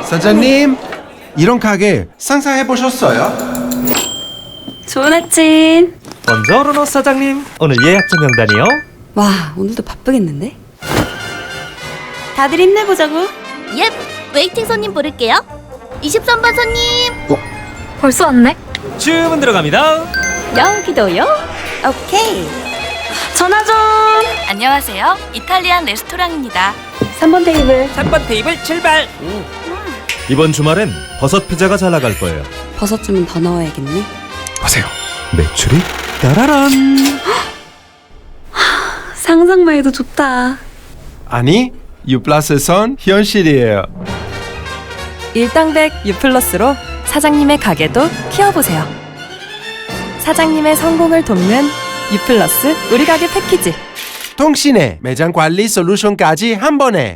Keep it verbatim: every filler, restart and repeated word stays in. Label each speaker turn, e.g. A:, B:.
A: 사장님, 이런 가게 상상해 보셨어요?
B: 좋은 아침.
C: 번저로노 사장님, 오늘 예약자 명단이요.
B: 와, 오늘도 바쁘겠는데? 다들 힘내보자고.
D: 옙! 웨이팅 손님 부를게요. 이십삼 번 손님!
E: 벌써 왔네?
C: 주문 들어갑니다.
D: 여기도요?
B: 오케이. 전화 좀.
D: 안녕하세요. 이탈리안 레스토랑입니다.
B: 삼 번 테이블.
C: 삼 번 테이블 출발. 이번 주말엔 버섯 피자가 잘 나갈 거예요.
B: 버섯 주문 더 넣어야겠네.
A: 보세요.
C: 매출이 따라란.
B: 상상만 해도 좋다.
A: 아니, U 플러스선 현실이에요.
F: 일당백 U 플러스로 사장님의 가게도 키워보세요. 사장님의 성공을 돕는 U 플러스 우리 가게 패키지.
A: 통신에 매장 관리 솔루션까지 한 번에.